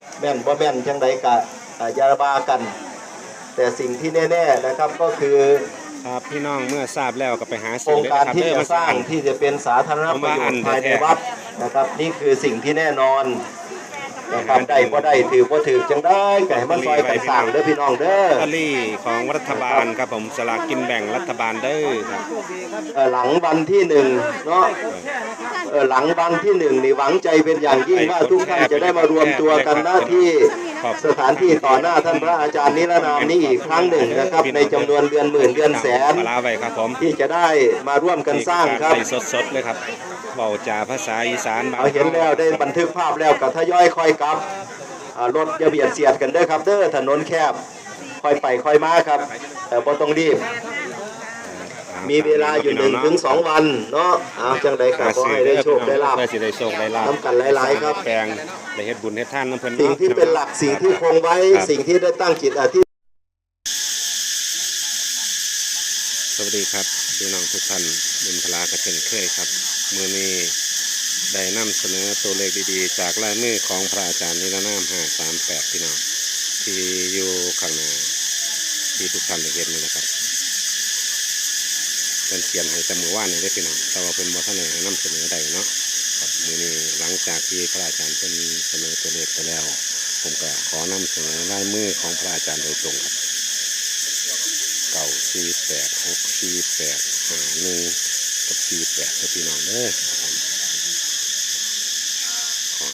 แม่นบ่แม่นจังใดกะยาบากันแต่สิ่งที่แน่ๆนะครับก็คือครับพี่น้องเมื่อทราบแล้วก็ไปหาโครงการที่จะสร้างที่ที่จะเป็นสาธารณประโยชน์ภายในวัดนะครับนี่คือสิ่งที่แน่นอนนะครับได้บ่ได้ถือบ่ถือจังได้ไก่มาซอยกันสร้างเด้อพี่น้องเด้อลอตเตอรี่ของรัฐบาลครับผมสลากกินแบ่งรัฐบาลเด้อครับหลังวันที่1เนาะหลังวันที่1นี่หวังใจเป็นอย่างยิ่งว่าทุกท่านจะได้มารวมตัวกันหน้าที่สถานที่ต่อหน้าท่านพระอาจารย์นิรนามนี้อีกครั้งหนึ่งนะครับในจำนวนเดือนหมื่นเดือนแสนที่จะได้มาร่วมกันสร้างครับสดๆเลยครับเบาจ่าภาษาอีสานเอาเห็นแล้วได้บันทึกภาพแล้วกับทยอยคอยกลับรถอย่าเบียดเสียดกันเด้อครับเด้อถนนแคบค่อยไปค่อยมาครับแต่บ่ต้องรีบมีเวลาอยู่1 ถึง 2 วันเนาะจังใดก็ขอให้ได้โชคได้ลาภน้ำกันหลายๆครับแปลงได้เฮ็ดบุญเฮ็ดทานน้ำเพิ่นสิ่งที่เป็นหลักสิ่งที่คงไว้สิ่งที่ได้ตั้งจิตอธิษฐานสวัสดีครับพี่น้องทุกท่านบุญพลากระเช่นเคยครับมื้อนี้ได้นำเสนอตัวเลขดีๆจากลายมือของพระอาจารย์นิรนาม538พี่น้องที่อยู่ข้างหน้าที่ทุกท่านได้เห็นนี่นะครับเป็นเขียนให้แต่มือว่านนี่ได้พี่น้องแต่ว่าเป็นบ่ทันได้นำเสนอใดเนาะครับมื้อนี้หลังจากที่พระอาจารย์เป็นเสนอตัวเลขไปแล้วผมก็ขอนำเสนอลายมือของพระอาจารย์โดยตรงครับ948 648 51กับ48พี่น้องเด้อ